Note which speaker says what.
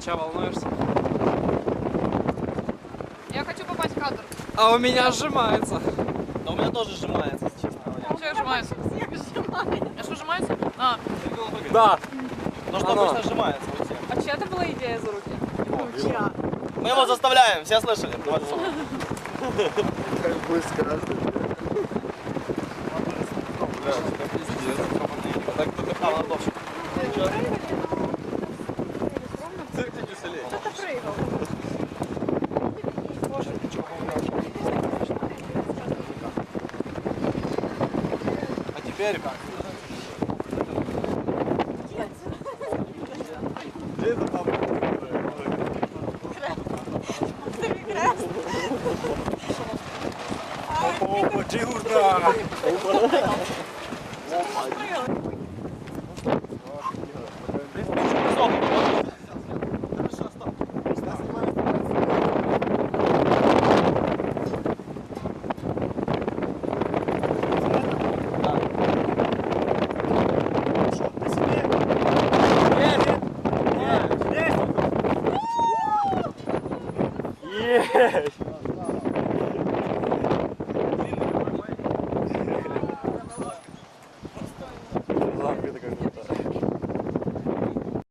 Speaker 1: Че, волнуешься?
Speaker 2: Я хочу попасть в кадр.
Speaker 1: А у меня сжимается.
Speaker 3: Да у меня тоже сжимается, если честно говоря.
Speaker 2: Что сжимается? А что сжимается? А,
Speaker 1: Да.
Speaker 3: Ну что
Speaker 1: Оно.
Speaker 3: обычно сжимается у всех.
Speaker 2: а чья это была идея за руки?
Speaker 3: Мы его заставляем, все слышали? Давайте.
Speaker 4: Как быстро.
Speaker 3: Так, кто ландовщик. Цирк Дюсселей.
Speaker 2: Кто-то прыгал.
Speaker 3: А теперь как?
Speaker 4: Опа, Джигурда!
Speaker 3: Есть!